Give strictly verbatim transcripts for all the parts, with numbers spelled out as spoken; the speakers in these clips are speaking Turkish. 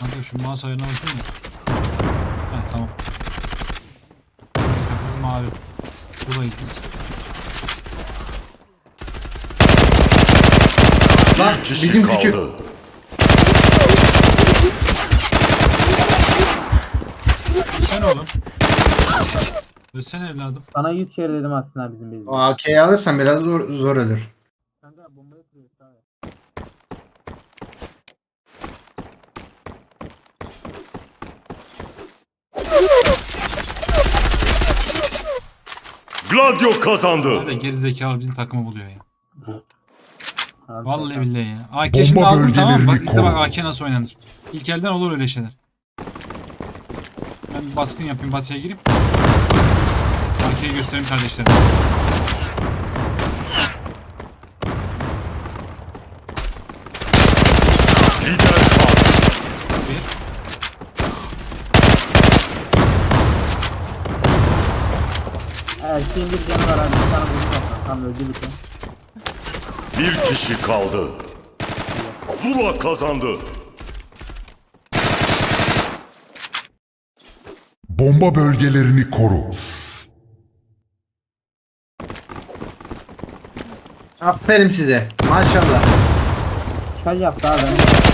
Kanka şu mouse ayarına bakayım mı? Heh tamam. Biz mavi. Buradayız biz. Lan Bir kişi bizim kaldı. küçük. Sen oğlum. Ölsene evladım. Sana yüz kere dedim aslında bizim bezde. O A K'yi alırsan biraz zor, zor ölür. Kanka bombayı kuruyoruz abi. Gladio kazandı. Var ya gerizekalı bizim takımı buluyor ya. Abi, Vallahi kanka. billahi ya. A K şimdi Bomba aldım tamam mı? Bak bölgelerini işte bak koru. A K nasıl oynanır. İlk elden olur öyle şeyler. Ben bir baskın yapayım, basaya gireyim. A K'yi göstereyim kardeşlerim. Lider kaldı. Bir. Erkeğin bir canı var abi. Bir tane vurdu kaptan. Tam öldü bir tane. Bir kişi kaldı. Zula kazandı. Bomba bölgelerini koru. Aferin size. Maşallah. Çay yaptı abi.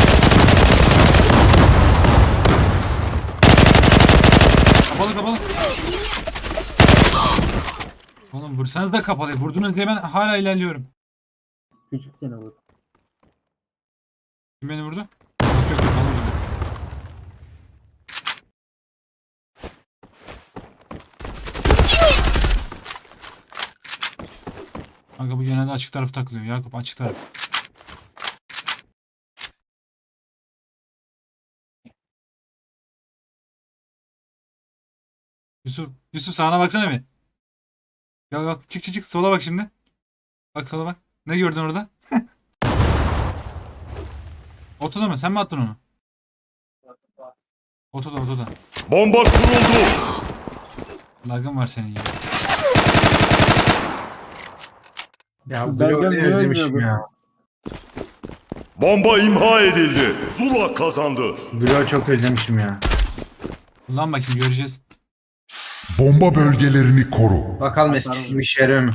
Kapalı kapalı. Oğlum vursanız da kapalı. Vurdunuz diye ben hala ilerliyorum. Küçük seni vurdu. Kim beni vurdu? Yok yok kapalı vurdu. Kanka bu genelde açık tarafı takılıyor. Yakup açık taraf. Yusuf, Yusuf sağına baksana bir. Ya bak çık çık çık sola bak şimdi. Bak sola bak. Ne gördün orada? Otoda mı? Sen mi attın onu? Otoda otoda. Bomba kuruldu. Lagın var senin ya. Ya Ben Glow ne görmüyorum, özlemişim görmüyorum. ya. Bomba imha edildi. Zula kazandı. Glow çok özlemişim ya. Ulan bakayım göreceğiz. Bomba bölgelerini koru. Bakalım eskisi gibi işe yarıyor mu?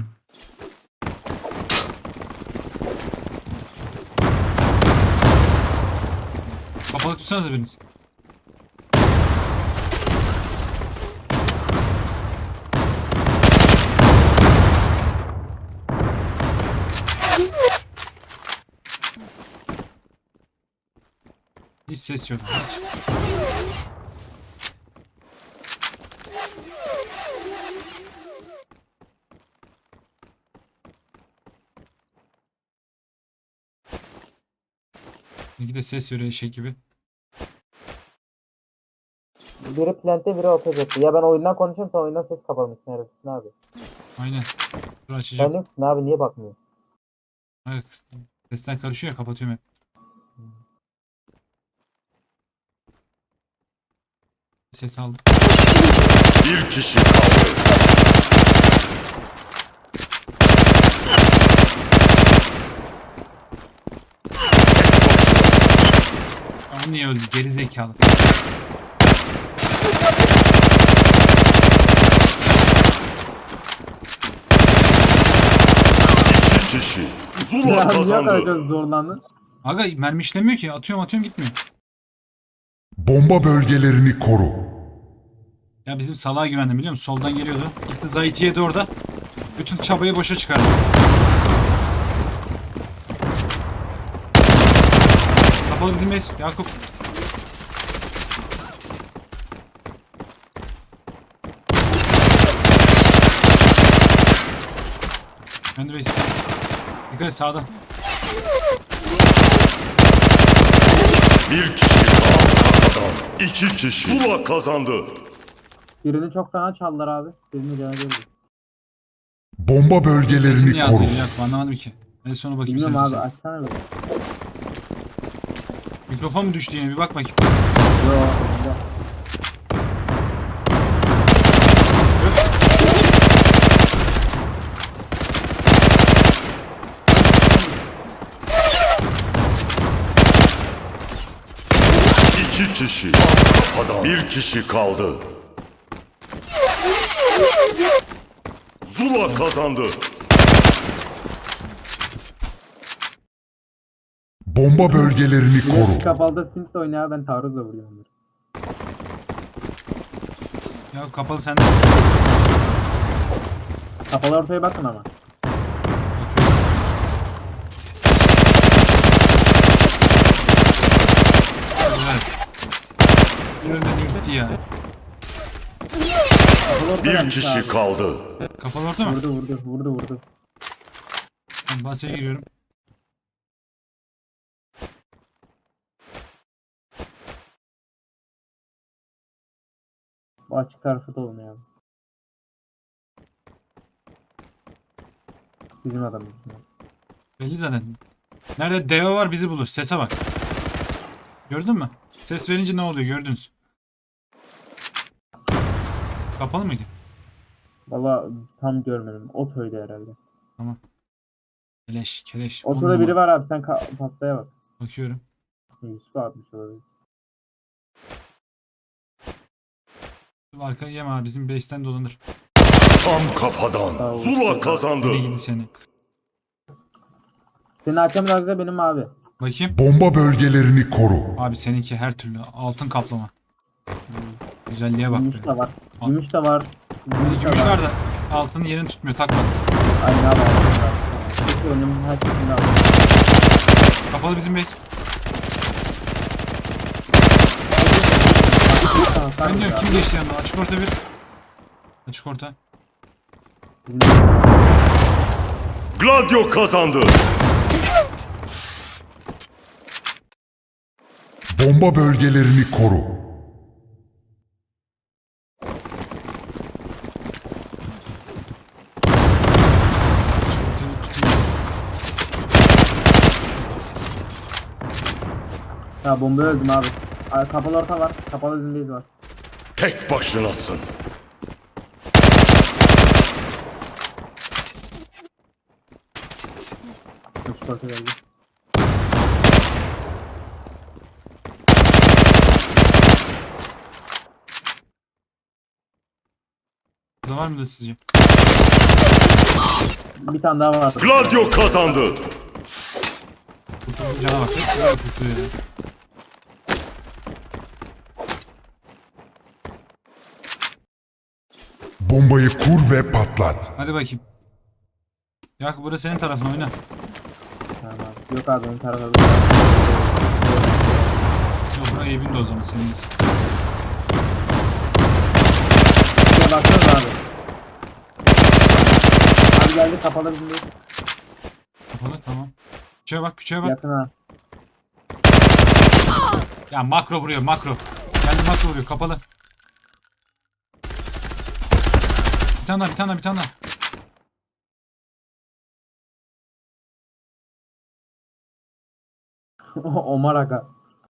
Kapalı tutsanıza biriniz. Hiç ses yok. Hiç. İki de ses veriyor eşek gibi. Biri plante biri otobüsü. Ya ben oyundan konuşuyorum sen oyundan ses kapamışsın herifsin abi. Aynen. Dur açacağım. Sen yoksun abi niye bakmıyorsun? Evet, sesten karışıyor ya kapatıyorum hep. Ses aldım. Bir kişi kaldı. Aa, niye öldü? Geri zekalı. İki kişi. Zula Ya niye kazandı. kadar zorlandın? Aga mermi işlemiyor ki. Atıyorum atıyorum gitmiyor. Bomba bölgelerini koru. Ya bizim salağa güvendim biliyor musun? Soldan geliyordu. Gitti Zahit'i yedi orada. Bütün çabayı boşa çıkardı. Kapalı bizim base. Yakup. Ben de base. Dikkat et sağda. Bir kişi kaldı. İki kişi. Zula kazandı. Birini çok fena çaldılar abi. Birini cana geldi. Bomba Sesini bölgelerini yazdı koru. Yakup anlamadım ki. En sona bakayım Bilmiyorum abi sesini. açsana bir. Mikrofon mu düştü yine bir bak bakayım. Yo. yo. İki kişi. Kafadan. Bir kişi kaldı. Zula kazandı. Bomba bölgelerini Direkt koru. kapalıda Sint oynuyor ben taarruzla vuruyorum. onları. Ya kapalı sende. Kapalı ortaya bakın ama. Bakıyorum. Evet. Ölmedi gitti ya. Kapalı ortaya Bir gelmiş kişi abi. kaldı. Kapalı orta mı? Vurdu vurdu vurdu vurdu. Ben basaya giriyorum. Bu açık tarafı da olmuyor abi. Bizim adamımız. bizim adam. Belli zaten. Nerede deve var bizi bulur. Sese bak. Gördün mü? Ses verince ne oluyor gördünüz. Kapalı mıydı? Valla tam görmedim. Otoydu herhalde. Keleş, keleş. On Otoda biri numara. var abi sen ka- pastaya bak. Bakıyorum. Yusuf atmış olabilir. Arkayı yeme abi. Bizim base'ten dolanır. Tam kafadan. Zula kazandı. Seni gidi seni. Senin hakem daha güzel benim abi. Bakayım. Bomba bölgelerini koru. Abi seninki her türlü. Altın kaplama. Güzelliğe bak Gümüş be. de var. Al. Gümüş de var. Gümüş, Gümüş de var da altının yerini tutmuyor. Takmadım. Aynen abi. Peki önüm her şeyini aldım. Kapalı bizim base. Ben diyorum kim geçti yanına? Açık orta bir. Açık orta. Gladio kazandı. Bomba bölgelerini koru. Açık ortayı tutayım. Ya bomba öldüm abi. Abi kapalı orta var. Kapalı zindeyiz var. Tek başınasın. Üç orta geldi. Burada var mıdır sizce? Bir tane daha var. Gladio kazandı. Kurtuldu cana bak. Hepsi böyle kurtuluyor ya. Bombayı kur ve patlat. Hadi bakayım. Yakup burası senin tarafın oyna. Tamam abi. Yok abi benim tarafa. Yok buraya Eyüp'ün de o zaman senin de. Şuraya baksanıza abi. Abi geldi kapalı zindeyiz. Kapalı tamam. Küçüğe bak küçüğe bak. Yakın ha. Ya makro vuruyor makro. Geldi makro vuruyor kapalı. Bir tane daha bir tane daha bir tane daha. Omar Aga.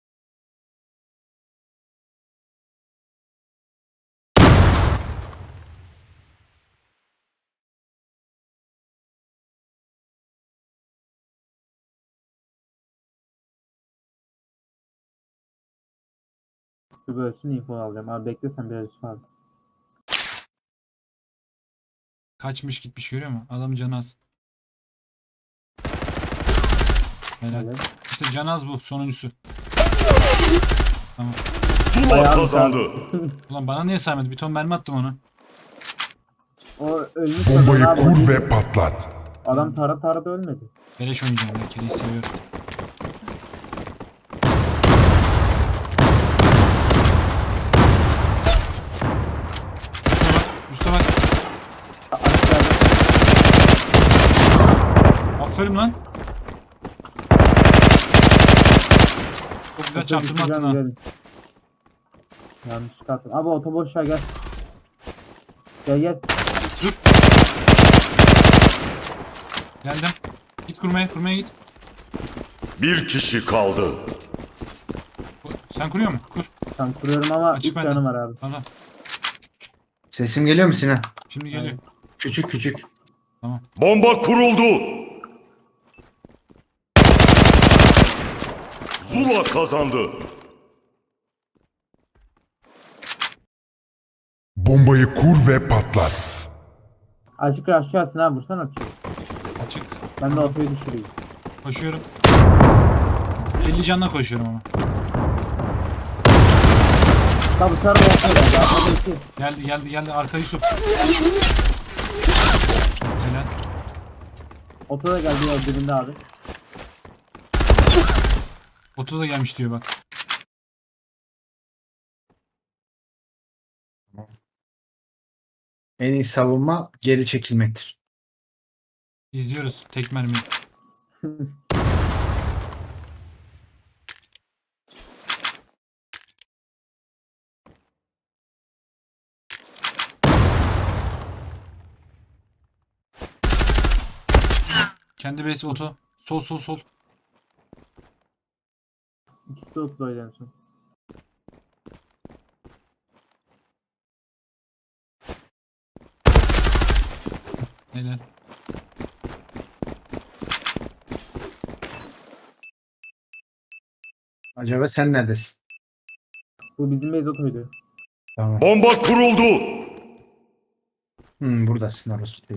Bir bölsün info alacağım. Abi bekle sen biraz Yusuf abi. Kaçmış gitmiş görüyor musun? Adamın canı az. Helal. Evet. İşte canı az bu sonuncusu. Tamam. Zula Ayağım kazandı. Ulan bana niye saymadı? Bir ton mermi attım ona. O ölmüş Bombayı adam abi. kur ve patlat. Adam tara tara da ölmedi. Beleş oynayacağım ben. Keleği seviyorum. Üste bak. Üste bak. A- Aşağıda. Aferin lan. Çok güzel çarptırma attın ha. Güzel. Yanlış attım. Abi otoboşa gel. Gel gel. Dur. Geldim. Git kurmaya, kurmaya git. Bir kişi kaldı. Sen kuruyor musun? Kur. Tam kuruyorum ama Açık üç bende. canım var abi. Tamam. Sesim geliyor mu Sinan? Şimdi geliyor. Küçük küçük. Tamam. Bomba kuruldu. Zula kazandı. Bombayı kur ve patlat. Açık aşağısına ha vursan atıyor. Açık. Ben de otoyu düşüreyim. Koşuyorum. elli canla koşuyorum ama. Tabi sarı otoyu geldi. Arkada iki. Geldi geldi geldi. Arka Yusuf. Helal. Oto da geldi ya dibinde abi. otuz da gelmiş diyor bak. En iyi savunma geri çekilmektir. İzliyoruz tek mermi. Kendi base oto. Sol sol sol. İkisi de otoydu en son. Helal. Acaba sen neredesin? Bu bizim base otoydu. Tamam. Bomba kuruldu. Hmm, buradasın orası.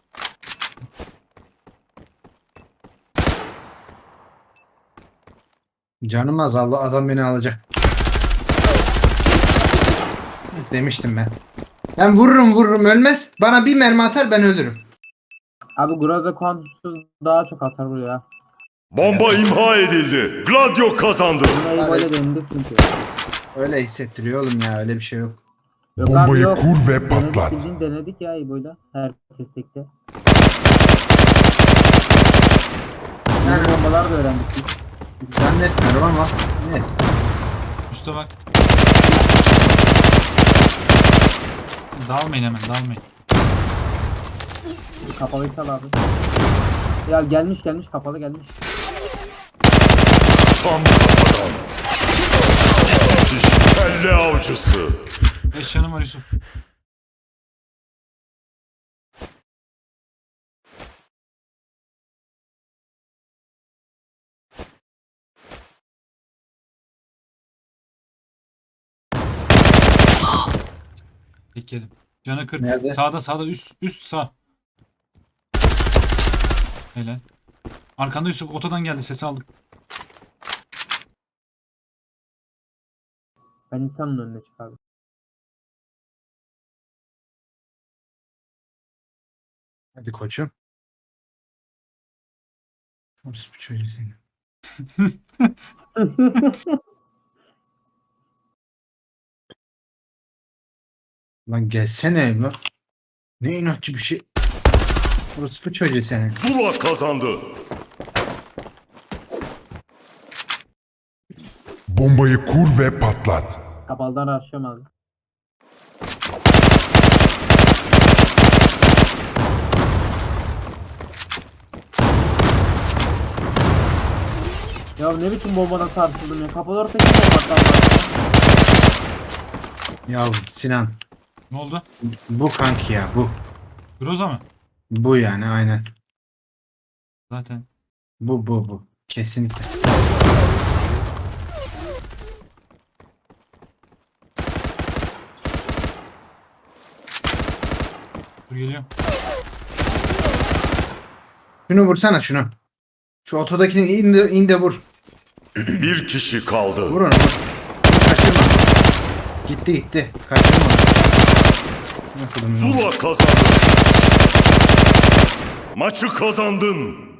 Canım azaldı. Adam beni alacak. Demiştim ben. Ben vururum vururum ölmez. Bana bir mermi atar ben ölürüm. Abi Groza kuantumsuz daha çok hasar vuruyor ya. Bomba imha edildi. Gladio kazandı. Buna iyi böyle denildi çünkü. Öyle hissettiriyor oğlum ya. Öyle bir şey yok. Yok abi Bombayı yok. kur ve Denedik, patlat. bildiğin denedik ya İbo'yla. Herkes tekte. Yani bombalar da öğrendik biz. Zannetmiyorum ama neyse. Üste bak. Dalmayın hemen dalmayın. Kapalıyı sal abi. Ya gelmiş gelmiş kapalı gelmiş. Tam kafadan. İki kişi kelle avcısı. beş canım var Yusuf. Tek yedim. Canı kırk. Nerede? Sağda sağda üst üst sağ. Helal. Arkanda Yusuf otodan geldi sesi aldım. Ben insanın önüne çıkardım. Hadi koçum. Orası bir çocuğu senin. Lan gelsene lan. Ne inatçı bir şey. Orası bir çocuğu senin. Zula kazandı. Bombayı kur ve patlat. Kapalıdan rushlıyorum abi. Ya ne biçim bombadan sarsıldım ya. Kapalı orta kim bombadan Ya Sinan. Ne oldu? Bu kanki ya bu. Groza mı? Bu yani aynen. Zaten. Bu bu bu. Kesinlikle. Dur geliyorum. Şunu vursana şunu. Şu otodakini in de, in de vur. Bir kişi kaldı. Vur onu vur. Kaçırma. Gitti gitti. Kaçırma onu. Ne kadar- Zula kazandı. Maçı kazandın.